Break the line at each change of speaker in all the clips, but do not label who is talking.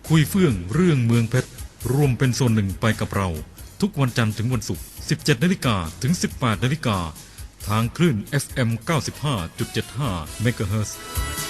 คุยเฟื่องเรื่องเมืองเพชรรวมเป็นส่วนหนึ่งไปกับเราทุกวันจันทร์ถึงวันศุกร์ 17 นาฬิกาถึง 18 นาฬิกาทางคลื่น FM 95.75 เมกะเฮิรตซ์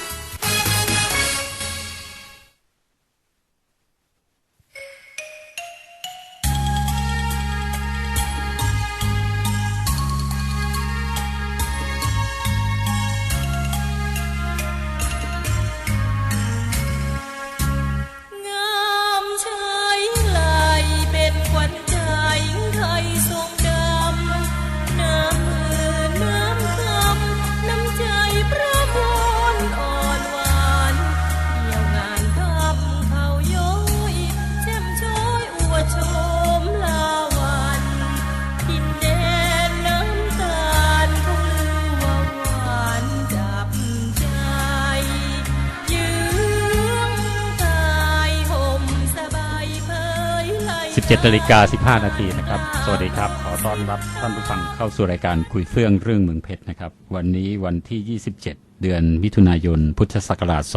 17 นาฬิกา 15 นาทีนะครับสวัสดีครับขอต้อนรับท่านผู้ฟังเข้าสู่รายการคุยเฟื่องเรื่องเมืองเพชรนะครับวันนี้วันที่ 27 เดือนมิถุนายนพุทธศักราช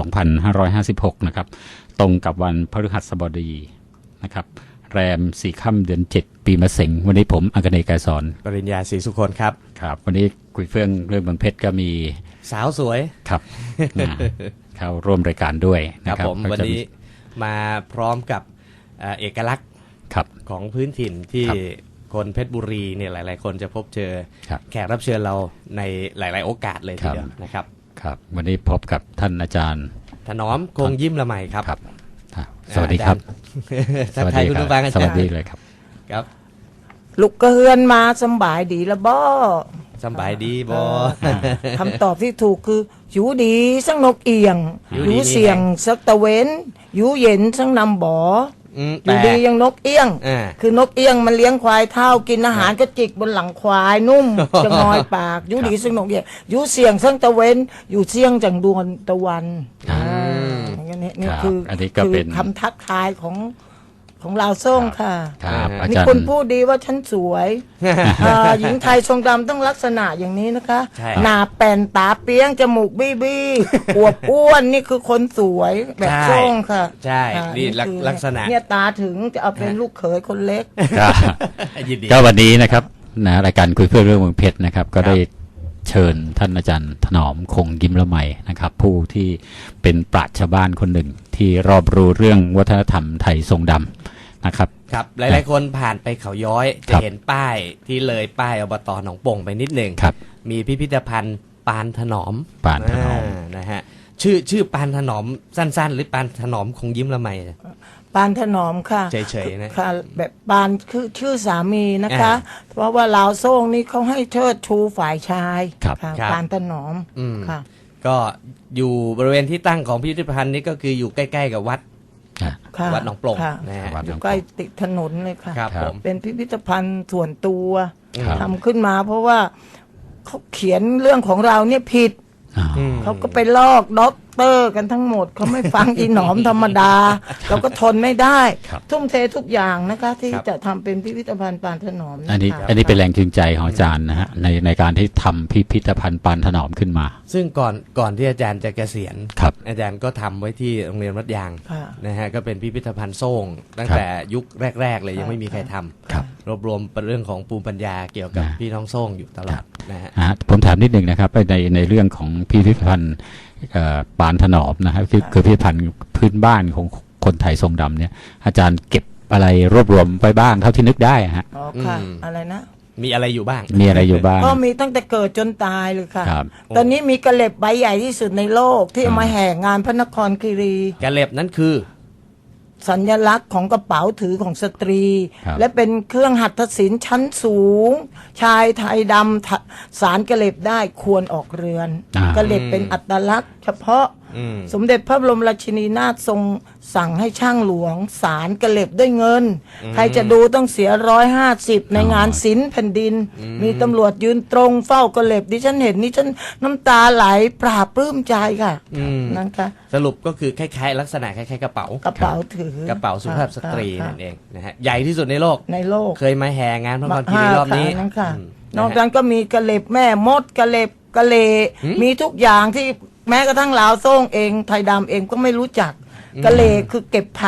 2556 นะครับตรงกับวันพฤหัสบดีนะครับแรม 4 ค่ำเดือน 7 ปีมะเส็งวันนี้ผมอังคเนย์ กายสอน
ปริญญาศรีสุคนครับ
ครับวันนี้คุยเฟื่องเรื่องเมืองเพชรก็มี
สาวสวย
ครับ เข้าร่วมรายการด้วย
นะครับผมวันนี้มาพร้อมกับเอกลักษณ์ของพื้นถิ่นที่คนเพชรบุรีเนี่ยหลายๆคนจะพบเจอแขกรับเชิญเราในหลายๆโอกาสเลยทีเดียวนะครับ
ครับวันนี้พบกับท่านอาจารย์
ถนอมคงยิ้มละไมครับ
สวัสดีครับ
สวัสดีคุณผู้ฟังอาจารย์
สวัสดีเลยครับ
ครับ
ลูกกระเฮือนมาสบายดีละบ่
สบายดีบ่
คำตอบที่ถูกคืออยู่ดีสังนกเอียงอยู่เสียงสักตะเว้นอยู่เย็นสังนำบ่อยู่ดียังนกเอี้ยงคือนกเอี้ยงมันเลี้ยงควายเท่ากินอาหารก็จิกบนหลังควายนุ่มจะงอยปากอยู่ดีสังนกเอี้ยงอยู่เสียงสังตะเว้นอยู่เสียงจังดวงตะวันนี่คือคำทักทายของลาวซ่งค่ะมีคนพูดดีว่าฉันสวยหญิงไทยทรงดำต้องลักษณะอย่างนี้นะคะหน้าแป่นตาเปี้ยงจมูกบี้อวบอ้วนนี่คือคนสวยแบบซ่งค่ะ
ใช่นี่ลักษณะ
เนี่ยตาถึงจะเอาเป็นลูกเขยคนเล็ก
ก็วันนี้นะครับนะรายการคุยเพื่อเรื่องเมืองเพชรนะครับก็ได้เชิญท่านอาจารย์ถนอมคงยิ้มละไมนะครับผู้ที่เป็นปราชญ์ชาวบ้านคนหนึ่งที่รอบรู้เรื่องวัฒนธรรมไทยทรงดำนะครับ
ครับหลายๆคนผ่านไปเขาย้อยจะเห็นป้ายที่เลยป้ายอบต.หนองโป่งไปนิดหนึ่งมีพิพิธภัณฑ์ปานถนอมนะฮะชื่อปานถนอมสั้นๆหรือปานถนอมคงยิ้มละไม
ปานถนอมค่ะ
เฉยๆนะ
ค่ะแบบปานคือชื่อสามีนะคะเพราะว่าลาวโซ่งนี่เขาให้เชิดชูฝ่ายชายค่ะปานถนอมค่ะ
ก็อยู่บริเวณที่ตั้งของพิพิธภัณฑ์นี้ก็คืออยู่ใกล้ๆกับวัดหนองโป่ง
นะฮะอยู่ใกล้ติดถนนเลยค่ะ
ครับ
เป็นพิพิธภัณฑ์ส่วนตัวทำขึ้นมาเพราะว่าเขาเขียนเรื่องของเราเนี่ยผิดเขาก็ไปลอกด็อกเตอร์กันทั้งหมดเขาไม่ฟังอีหนอมธรรมดาเราก็ทนไม่ได้ทุ่มเททุกอย่างนะคะที่จะทำเป็นพิพิธภัณฑ์ปานถนอม
อันนี้เป็นแรงจูงใจของอาจารย์นะฮะในการที่ทำพิพิธภัณฑ์ปานถนอมขึ้นมา
ซึ่งก่อนที่อาจารย์จะเกษียณอาจารย์ก็ทำไว้ที่โรงเรียนวัดยางนะฮะก็เป็นพิพิธภัณฑ์โซ่งตั้งแต่ยุคแรกๆเลยยังไม่มีใครทำรวบรวมเรื่องของภูมิปัญญาเกี่ยวกับพี่น้องโซ่งอยู่ตลอดนะฮะ
ผมถามนิดนึงนะครับในเรื่องของพิพิธภัณฑ์ปานถนอมนะครับคือพิพิธภัณฑ์พื้นบ้านของคนไทยทรงดำเนี่ยอาจารย์เก็บอะไรรวบรวมไปบ้างเท่าที่นึกได้ฮะ
อ๋อค่ะอะไรนะ
มีอะไรอยู่บ้าง
ก็มีตั้งแต่เกิดจนตายเลยค่ะตอนนี้มีกระเล็บใบใหญ่ที่สุดในโลกที่เอามาแห่งานพระนครคีรี
กระเล็บนั้นคือ
สัญลักษณ์ของกระเป๋าถือของสตรีและเป็นเครื่องหัตถศิลป์ชั้นสูงชายไทยดำสารกระเล็บได้ควรออกเรือนกระเล็บเป็นอัตลักษณ์เฉพาะสมเด็จพระบรมราชินีนาถทรงสั่งให้ช่างหลวงสารกระเล็บด้วยเงินใครจะดูต้องเสีย150ในงานศิลป์แผ่นดินมีตำรวจยืนตรงเฝ้ากระเล็บดิฉันเห็นนี่ฉันน้ำตาไหลปราบปลื้มใจค่ะนะคะ
สรุปก็คือคล้ายๆลักษณะคล้ายๆกระเป๋า
ถือก
ระเป๋าสุภาพสตรีนั่นเองนะฮะใหญ่ที่สุดในโลกเคยมาแห่งานพระนครคีรีรอบนี้
นอกจากก็มีกระเล็บแม่มดกระเล็บกระเลมีทุกอย่างที่แม้กระทั่งลาวโซ่งเองไทยดำเองก็ไม่รู้จักกะเลคือเก็บผัก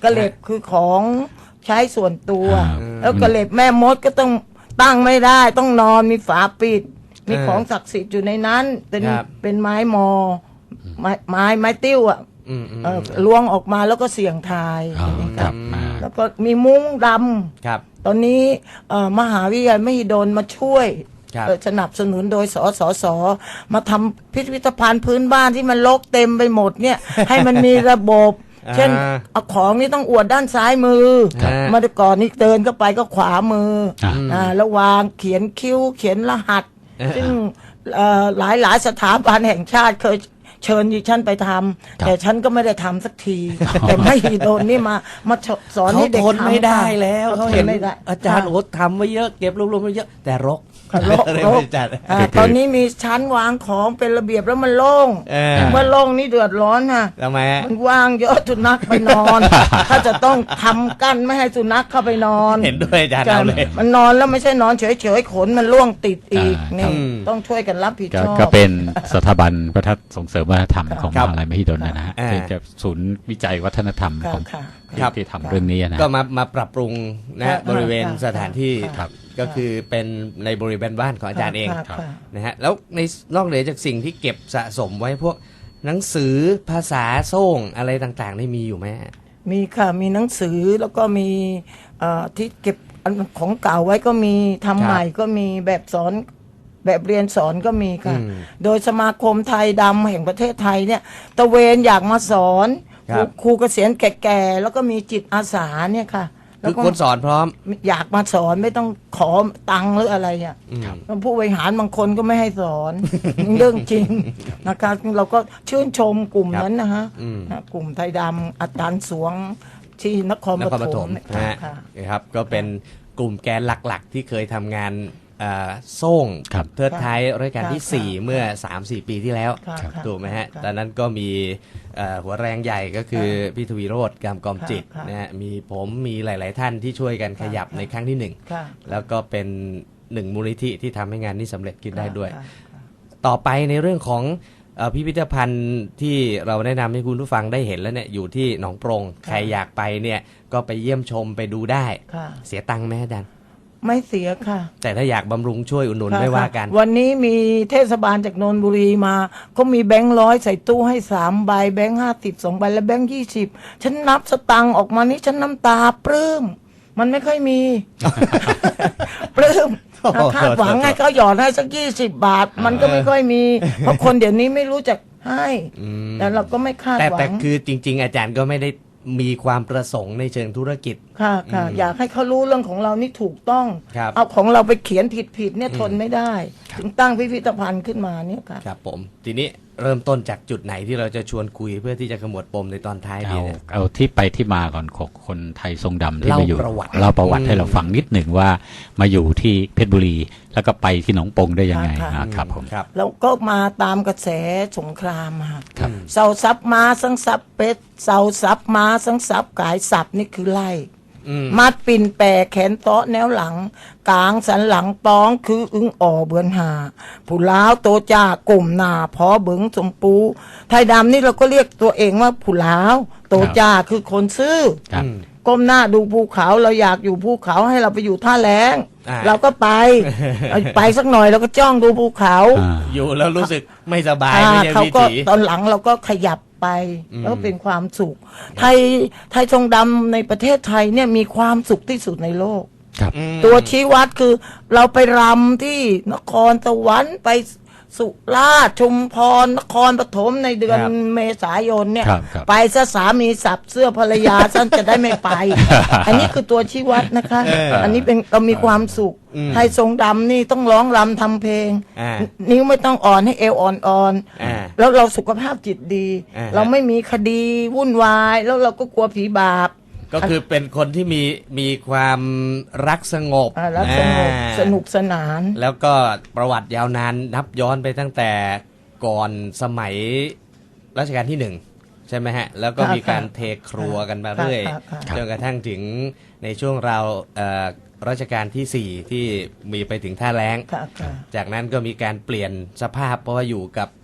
กระเหล็บคือของใช้ส่วนตัว
ครับ
แล้วกระเหล็บแม่มดก็ต้องตั้งไม่ได้ต้องนอนมีฝาปิด มีของศักดิ์สิทธิ์อยู่ในนั้นเป็นไม้มอไม้ติ้วอ่ะล้วงออกมาแล้วก็เสี่ยงทาย
อ๋อครับมา
แล้วก็มีมุ้งด
ครับ
ำตอนนี้มหาวิทยาลัยมหิดลมาช่วย
ครับ
สนับสนุนโดยสสมาทำพิพิธภัณฑ์พื้นบ้านที่มันรกเต็มไปหมดเนี่ย ให้มันมีระบบ เช่นเอาของนี่ต้องอวดด้านซ้ายมือ
ครับ
เมื่อก่อนนี่เดินเข้าไปก็ขวามือแล้ววางเขียนคิ้วเขียนรหัส ซึ่งหลายสถาบันแห่งชาติเคยเชิญดิฉันไปทำแต่ฉันก็ไม่ได้ทำสักที แต่ไม่โดนนี่มาสอนให้เด็ก
เขาทน
ทำ
ไม่ได้แล้ว
เขา
เขา
เห็
เห็
น
น
ไม่ได้
อาจารย์โอ๊ตทำไว้เยอะเก็บรวบๆไว้เยอะแต่รก
รก
เลย
รก
ไม่จัด
ตอนนี้มีชั้นวางของเป็นระเบียบแล้วมันโล่ง เมื่อโล่งนี่เดือดร้อนค่ะ
ทำไมฮะ
มันว่างเยอะสุนัขไปนอน ถ้าจะต้องทำกั้นไม่ให้สุนัขเข้าไปนอน
เห็นด้วยอาจารย์เอาเลย
มันนอนแล้วไม่ใช่นอนเฉยๆขนมันร่วงติดอีก
อ่า
นี่
อืม
ต้องช่วยกันรับผิดชอบ
ก็เป็นสถาบันวัฒนส่งเสริมวัฒนธรรมของม
ครับ
หาลัยมหิดลนะฮะ
อ่า
ที่จะศูนย์วิจัยวัฒนธรรม
ค่ะ
ของ
ค่ะ
ที่ทำเรื่องนี้นะ
ก็มาปรับปรุงนะ
ค่ะ
บริเวณ
ค่ะ
สถานที่
ค่ะ
ก็คือเป็นในบริเวณบ้านของอาจารย์เอง
ค่ะค่ะ
นะฮะแล้วในนอกเหนือจากสิ่งที่เก็บสะสมไว้พวกหนังสือภาษาโซ่งอะไรต่างๆนี่มีอยู่ไหมฮะ
มีค่ะมีหนังสือแล้วก็มีที่เก็บอันของเก่าไว้ก็มีทำใหม่ก็มีแบบสอนแบบเรียนสอนก็มีค่ะ
อืม
โดยสมาคมไทยดำแห่งประเทศไทยเนี่ยตะเวนอยากมาสอน
ครับ
ครูเกษียณแก่ๆแล้วก็มีจิตอาสาเนี่ยค่ะแล้
คื
ว
อ
ก็
คนสอนพร้อม
อยากมาสอนไม่ต้องขอตังค์หรืออะไรอ่ะผู้บริหารบางคนก็ไม่ให้สอน เรื่องจริงนะคะเราก็ชื่นชมกลุ่มนั้นนะฮะ
อืม
นะกลุ่มไทยดำอาจารย์สวงที่นคร
น
ป
ครป
ฐ
ฐ
ม
ม
เนี่ย
นะฮะ
ค่ะ
นะครับก็เป็นกลุ่มแกนหลักๆ ที่เคยทำงานโซ่ง
ครับ
เทิดท้ายรายการที่
ค่ะ
4 เมื่อ 3-4 ปีที่แล้ว
ค่ะค่ะ
ถูกไหมฮะ
ค่ะ
ตอนนั้นก็มีหัวแรงใหญ่ก็คือพี่ทวีโรจน์กามกอมจิต
ค่ะ
นะฮะมีผมมีหลาย ๆ ท่านที่ช่วยกันขยับ
ค่ะ
ในครั้งที่
ค่ะ
1 แล้วก็เป็นหนึ่งมูลนิธิที่ทำให้งานนี้สำเร็จขึ้นได้ด้วย
ค่ะ
ต่อไปในเรื่องของพิพิธภัณฑ์ที่เราแนะนำให้คุณผู้ฟังได้เห็นแล้วเนี่ยอยู่ที่หนองปรงใครอยากไปเนี่ยก็ไปเยี่ยมชมไปดูได้
ค่ะ
เสียตังค์ไหมอาจารย์
ไม่เสียค่ะ
แต่ถ้าอยากบำรุงช่วยอุดหนุน
ค่ะ
ไม่ว่ากัน
ค่ะวันนี้มีเทศบาลจากนนทบุรีมาเขามีแบงค์100ใส่ตู้ให้3ใบแบงค์50 2ใบและแบงค์20ฉันนับสตังค์ออกมานี่ฉันน้ำตาปลื้มมันไม่ค่อยมี ปลื้ม
โอ้โห
คาดหวังให้เขาหยอดให้สัก20 บาท มันก็ไม่ค่อยมี เพราะคนเดี๋ยวนี้ไม่รู้จักให้แต่เราก็ไม่คาด
แต่
หวั
แต่
ง
คือจริง ๆ อาจารย์ก็ไม่ได้มีความประสงค์ในเชิงธุรกิจ
ค่ะค่ะอยากให้เขารู้เรื่องของเรานี่ถูกต้อง
ครับ
เอาของเราไปเขียนผิดเนี่ยทนไม่ได้ ถึงตั้งพิพิธภัณฑ์ขึ้นมาเนี่ยค่ะ
ครับผมทีนี้เริ่มต้นจากจุดไหนที่เราจะชวนคุยเพื่อที่จะขมวดปมในตอนท้ายดีเนี่ย
เอาที่ไปที่มาก่อนของคนไทยทรงดำที่
เล่า
มาอยู่
ประวัติ
เล่าประวัติให้เราฟังนิดหนึ่งว่ามาอยู่ที่เพชรบุรี แล้วก็ไปที่หนองปงได้ยังไง
ค่ะ
นะครับผม
ครับ
แล้วก็มาตามกระแสสงครามค่ะ
ครับ
เสาซับม้าสังซับเป็ดเสาซับม้าสังซับกายสับนี่คือไล่ มัดปิ่นแปรแขนเตาะแนวหลัง กลางสันหลังป้องคืออึ้งอ่อเบือนหา ผู้ล้าวโตจ้ากลุ่มหนาพอเบิงสมปู ไทยดำนี่เราก็เรียกตัวเองว่าผู้ล้าวโตจ้าคือคนซื่อ
ครับ
ก้มหน้าดูภูเขาเราอยากอยู่ภูเขาให้เราไปอยู่ท่าแรง
อ่า
เราก็ไป ไปสักหน่อยเราก็จ้องดูภูเขา
อ่า
อยู่แล้วรู้สึกไม่สบายไม่ใช่
เขา
วิ
ก็
ถี
ตอนหลังเราก็ขยับไปแล้วเป็นความสุข ไทยทรงดำในประเทศไทยเนี่ยมีความสุขที่สุดในโลก
ครับ
ตัวชี้วัดคือเราไปรำที่นครสวรรค์ไปสุราษฎร์ชุมพรนครปฐมในเดือน
ครับ
เมษายนเนี่ย
ครับครับ
ไปซะสามีสับเสื้อภรรยา ฉันจะได้ไม่ไป อันนี้คือตัวชี้วัดนะคะ อันนี้เป็นเรามีความสุข ไทยทรงดำนี่ต้องร้องรำทำเพลง
อ่า
นิ้วไม่ต้องอ่อนให้เอวอ่อน
อ่า
ๆแล้วเราสุขภาพจิตดี
อ่า
เราไม่มีคดีวุ่นวาย แล้วเราก็กลัวผีบาป
ก็คือเป็นคนที่มีความรักสงบ
แล้วสนุกสนาน
แล้วก็ประวัติยาวนานนับย้อนไปตั้งแต่ก่อนสมัยรัชกาลที่ 1 ใช่ไหมฮะ แล้วก็มีการเทครัวกันมาเรื่อย
ค่ะ
จนกระทั่งถึงในช่วงราวรัชกาลที่ 4 ที่มีไปถึงท่าแล้ง
ค่ะค่ะ
จากนั้นก็มีการเปลี่ยนสภาพเพราะว่าอยู่กับ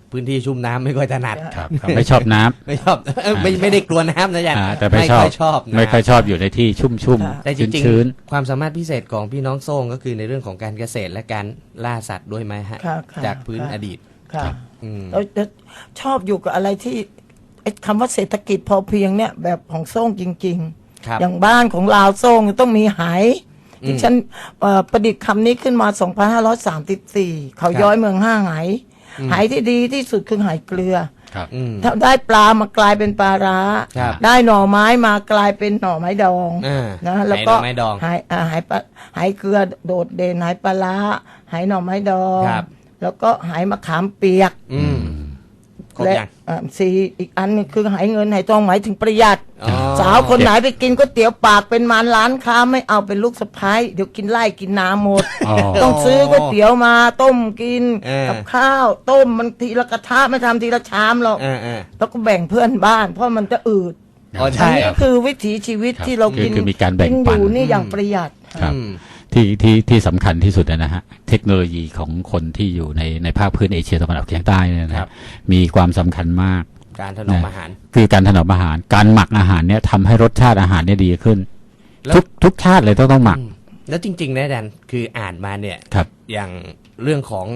พื้นที่ชุ่มน้ำไม่ค่อยถนัด
ครับไม่ชอบน้ำ
ไม่ชอบไม่ได้กลัวน้ำนะอาจารย์
แต่ไม่ชอบ
ค่อยชอบน้ำ
ไม่ค่อยชอบอยู่ในที่ชุ่ม
แต่จริง
ชื้น
ๆความสามารถพิเศษของพี่น้องโซ่งก็คือในเรื่องของการเกษตรและการล่าสัตว์ด้วยไหมฮะ
ค่ะค่ะ
จากพื้น
ค่ะ
อดีต
ค่ะ
อืม
แล้วชอบอยู่กับอะไรที่ไอ้คำว่าเศรษฐกิจพอเพียงเนี่ยแบบของโซ่งจริง
ครับ
ๆ อย่างบ้านของลาวโซ่งต้องมีไหที่ฉันประดิษฐ์คำนี้ขึ้นมา 2534 เขาย้อยเมืองห้าไหไหที่ดีที่สุดคือไหเกลือ
ๆครับ
อืม
ถ้าได้ปลามากลายเป็นปลาร้า
ครับ
ได้หน่อไม้มากลายเป็นหน่อไม้ดอง
อ่า
นะแล้วก็
ไหหน่อไม้ดอง
ไหเกลือโดดเด่นไหปลาร้าไหหน่อไม้ดอง
ครับ
แล้วก็ไหมะขามเปียก
อืมครบ
และ
ยัง
สี่อีกอันหนึงคือไหเงินไหทองหมายถึงประหยัด
อ๋อ
สาวคนไหนไปกินก๋วยเตี๋ยวปากเป็นมารร้านค้าไม่เอาเป็นลูกสะพ้ายเดี๋ยวกินไล่กินน้ำหมด
อ๋อ
ต้องซื้อก๋วยเตี๋ยวมาต้มกิน
เออ
กับข้าวต้มมันทีละกระทะไม่ทำทีละชามหรอก แล้วก็แบ่งเพื่อนบ้าน เพราะมันจะอืด
อ๋อ
อัน
ใช่
นี้ก็คือวิถีชีวิต
ครับ
ที่เรากิน
คือมีการแบ่ง
กิน
ปัน
อยู่นี่อย่างประหยัด
ครับ
อืม
ที่สำคัญที่สุดนะฮะเทคโนโลยีของคนที่อยู่ในภาคพื้นเอเชียตะวันออกเฉียงใต้เนี่ยนะครับ มีความสำคัญมาก
การถนอมอาหาร
คือการถนอมอาหารการหมักอาหารเนี่ยทำให้รสชาติอาหารเนี่ยดีขึ้น
แล้ว
ทุกชาติเลยต้องหมัก
แล้วจริงๆนะอาจารย์คืออ่านมาเนี่ย
ครับ
อย่างเรื่องของ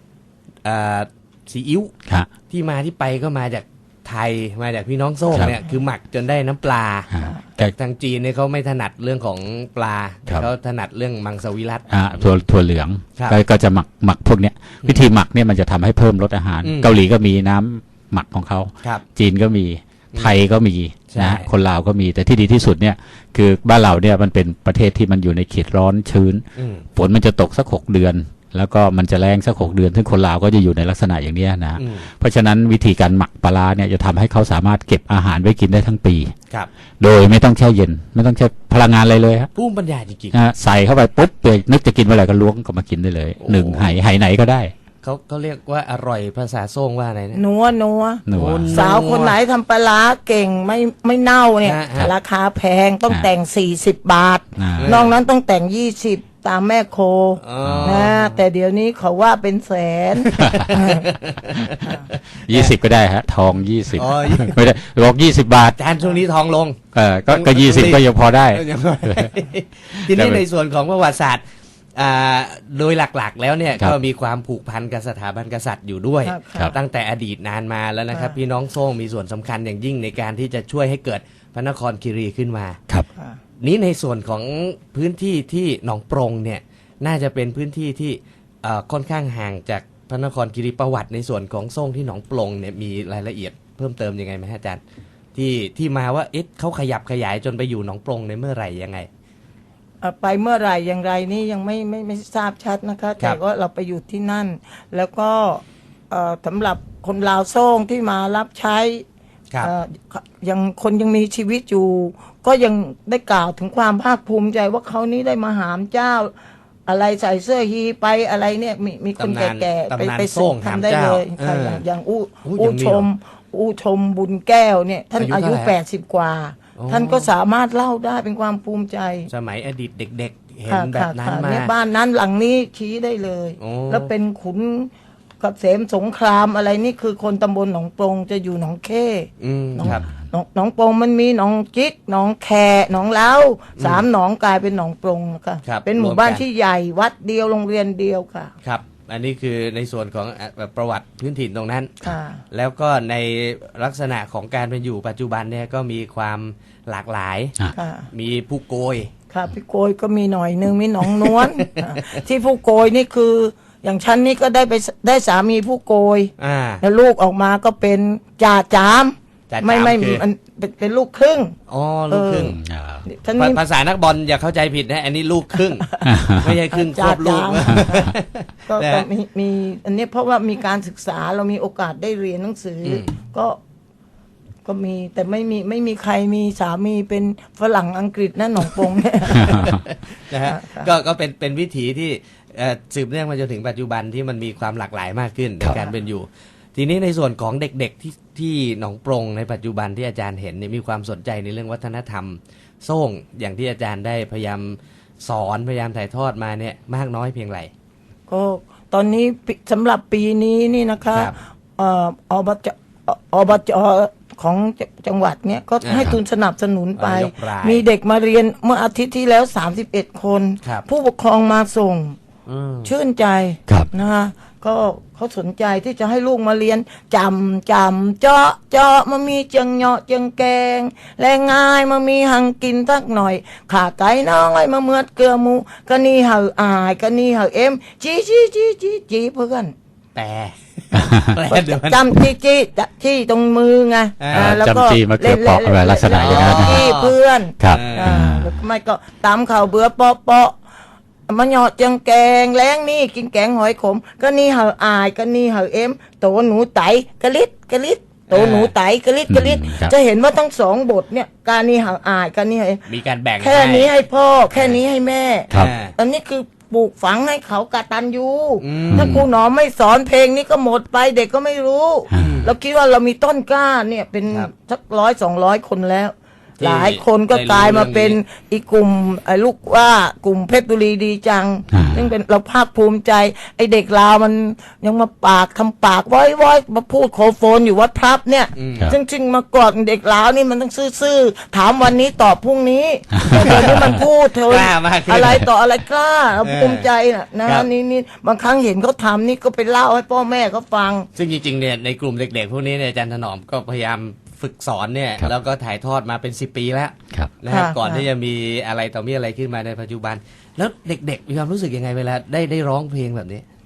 ซีอิ๊ว
ครับ
ที่มาที่ไปก็มาจากไทยมาจากพี่น้องโซ่ง
ครับ
เนี่ยคือหมักจนได้น้ำปลา
แต่
ทางจีนเนี่ยเขาไม่ถนัดเรื่องของปลา
ครับ
เขาถนัดเรื่องมังสวิรัติ
ถั่วเหลือง
ครับ
ก็จะหมักพวกเนี้ยวิธีหมักเนี่ยมันจะทำให้เพิ่มรสอาหาร
อืม
เกาหลีก็มีน้ำหมักของเขา
ครับ
จีนก็มีไทยก็มี
ใช่
นะคนลาวก็มีแต่ที่ดีที่สุดเนี่ยคือบ้านเราเนี่ยมันเป็นประเทศที่มันอยู่ในเขตร้อนชื้น
อืม
ฝนมันจะตกสัก6 เดือน แล้วก็มันจะแรงสัก6 เดือนซึ่งคนลาวก็จะอยู่ในลักษณะอย่างเนี้ยนะ
อืม
เพราะฉะนั้นวิธีการหมักปลาร้าเนี่ยจะทำให้เขาสามารถเก็บอาหารไว้กินได้ทั้งปี
ครับ
โดยไม่ต้องแช่เย็น ไม่ต้องใช้พลังงานอะไรเลยฮะ
ภูมิปัญญาจริง
ใส่เข้าไปปุ๊บเปนึกจะกินเมื่อไหร่ก็ล้วงก็มากินได้เลย
โอ้
หนึ่งไหไหนก็ได้
ๆเขาเรียกว่าอร่อยภาษาโซ่งว่าอะไรนะ
นัว
หนัว
สาวคนไหนทำปลาร้าเก่งไม่เน่าเนี่ย
ฮะ
ราคาแพงต้องแต่ง 40 บาท
อ่า
นอกนั้นต้องแต่ง 20 ตามแม่โค
อ๋อ
นะแต่เดี๋ยวนี้เขาว่าเป็นแสน
20 ก็ได้ฮะทอง 20
อ๋อ
ไม่ได้บอก20 บาท
อาจารย์ช่วงนี้ทองลง
ก็20 ก็ยังพอได้
ทีนี้ในส่วนของประวัติศาสตร์โดยหลักๆ แล้วเนี่ย
ครับ
ก็มีความผูกพันกับสถาบันกษัตริย์อยู่ด้วย
ครับ
ครับ
ตั้งแต่อดีตนานมาแล้วนะครับ
ครับ
พี่น้องโซ่งมีส่วนสำคัญอย่างยิ่งในการที่จะช่วยให้เกิดพระนครคีรีขึ้นมา
ครับ
นี้ในส่วนของพื้นที่ที่หนองปรงเนี่ยน่าจะเป็นพื้นที่ที่ค่อนข้างห่างจากพระนครคีรีประวัติในส่วนของโซ่งที่หนองปรงเนี่ยมีรายละเอียดเพิ่มเติมยังไงไหมฮะอาจารย์ที่มาว่าเอ๊ะเขาขยับขยายจนไปอยู่หนองปรงในเมื่อไหร่ยังไง
ไปเมื่อไหร่อย่างไรนี่ยังไม่ทราบชัดนะคะ
ครั
แต่
บ
ว่าเราไปอยู่ที่นั่น แล้วก็สำหรับคนลาวโซ่งที่มารับใช้
ครับ
ยังคนยังมีชีวิตอยู่ ก็ยังได้กล่าวถึงความภาคภูมิใจว่าเขานี้ได้มาหามเจ้า อะไรใส่เสื้อฮีไปอะไรเนี่ยมีคน
ตำนาน
แก่ๆ
ตำนาน
ไป
โซ่งหาม
ทำได้
เจ้า
เลยค่ะ
เออ
อย่าง
อู้
อู้
ยังมี
ชม
เหรอ
อู้ชมบุญแก้วเนี่ยท่าน
อา
อา
ยุ
ยุ
เท่าไหร่
80 กว่า
อ๋อ
ท่านก็สามารถเล่าได้เป็นความภูมิใจ
สมัยอดีตเด็กๆ เห็น
ค่ะ
แบบนั้น
ค่ะ
มา
เนี่ยบ้านนั้นหลังนี้ชี้ได้เลย
โอ้
แล้วเป็นขุนเกษมสงครามอะไรนี่คือคนตำบลหนองปรงจะอยู่หนองเข้
อืมครับ
หนองปรงมันมีหนองจิกหนองแคหนองเล้า3 หนองกลายเป็นหนองปรงค่ะ
ครับ
เป็นหมู่บ้าน
รวมกัน
ที่ใหญ่วัดเดียวโรงเรียนเดียวค่ะ
ครับ อันนี้คือในส่วนของประวัติพื้นถิ่นตรงนั้น
ค่ะ
แล้วก็ในลักษณะของการเป็นอยู่ปัจจุบันเนี่ยก็มีความหลากหลาย
ค่ะ
มีผู้โกย
ค่ะพี่โกยก็มีหน่อยนึงมีหนองนวล ค่ะที่ผู้โกยนี่คือ อย่างฉันนี่ก็ได้สามีผู้โกย แล้วลูกออกมาก็เป็นจ่าจาม
จ่าจาม
ไม่
คือ
มันเป็นลูกครึ่ง
อ๋อลูกครึ่ง
ฉันนี่
ภาษานักบอลอย่าเข้าใจผิดนะ อันนี้ลูกครึ่ง ไม่ใช่ครึ่งคร
จ่า
บลูก
จามก็
นะ
ก็มีอันนี้เพราะว่ามีการศึกษาเรามีโอกาสได้เรียนหนังสืออ
ม
ก็มีแต่ไม่มีใครมีสามีเป็นฝรั่งอังกฤษนะหนองปงเนี่ย
นะฮะ
ค่ะ
ก็เป็นวิถีที่สืบเนื่องมาจนถึงปัจจุบันที่มันมีความหลากหลายมากขึ้นในการเป็นอยู่ ทีนี้ในส่วนของเด็กๆที่หนองปรงในปัจจุบันที่อาจารย์เห็นเนี่ยมีความสนใจในเรื่องวัฒนธรรมโซ่งอย่างที่อาจารย์ได้พยายามสอนพยายามถ่ายทอดมาเนี่ยมากน้อยเพียงไร
ก็ตอนนี้สำหรับปีนี้นี่นะคะ
ครับ
อบจของจังหวัดเนี้ยก็ให้ทุนสนับสนุนไป
ยกราย
มีเด็กมาเรียนเมื่ออาทิตย์ที่แล้ว31 คน
ครับ
ผู้ปกครองมาส่ง ชื่นใจ
ครับ
นะคะก็เขาสนใจที่จะให้ลูกมาเรียนจำเจาะมามีเจียงเหาะเจียงแกงแรงง่ายมามีหังกินสักหน่อยขาไก่น้องไอ้มาเมือดเกลือหมูก็นี่เหาอายก็นี่เหาเอ็มจีเพื่อน
แต่เดี๋ยวมัน
จำจี้ตรงมือไง แล้วก็
จำจี้มะเขือเปราะอะไรลักษณะอย่างนั้นนะ
จี้เพื่อน
ครับ
หรือไม่ก็ตำข่าวเบื่อเปาะมันเหาะเจียงแกงแล้งนี่กินแกงหอยขมก็นี่เหาอายก็นี่เหาเอ็มโตหนูไตกะลิดโตหนูไตกะลิด
ครับ
จะเห็นว่าทั้งสองบทเนี่ยการนี่เหาอายการนี่เหาเอ็ม
มีการแบ่ง
แค่นี้ให้พ่อแค่นี้ให้แม่
ครับ
อันนี้คือปลูกฝังให้เขากตัญญูถ้าครูหนอมไม่สอนเพลงนี้ก็หมดไปเด็กก็ไม่รู้ เราคิดว่าเรามีต้นกล้าเนี่ยเป็น
ครับ
สัก100-200 คนแล้ว
ที่
หลายคนก็
ได้รู้
กลายมาเป็น
เรื่องนี้
อีกกลุ่มไอ้ลูกว่ากลุ่มเพชรบุรีดีจัง ซึ่งเป็นเราภาคภูมิใจ ไอ้เด็กลาวมันยังมาทำปากว้อยมาพูดโคโฟนอยู่วัดพลับเนี่ย
ครับ
ซึ่งมาก่อนเด็กลาวนี่มันต้องซื่อๆถามวันนี้ตอบพรุ่งนี้แต่เดี๋ยวนี้มันพูดเธอก
ล้ามากขึ้น
อะไรต่ออะไรกล้าเราภูมิใจนะครับ นี่บางครั้งเห็นเขาทำนี่ก็ไปเล่าให้พ่อแม่เขาฟัง
ซึ่งจริงๆเนี่ยในกลุ่มเด็กๆพวกนี้เนี่ยอาจารย์ถนอมก็พยายามฝึกสอนเนี่ย
ครับ
แล้วก็ถ่ายทอดมาเป็น10 ปีแล้ว
ครับ
นะครับ
ค่ะ
ก่อน
ค่ะ
ที่จะมีอะไรต่อมีอะไรขึ้นมาในปัจจุบัน แล้วเด็กๆมีความรู้สึกยังไงเวลาได้ร้องเพลงแบบนี้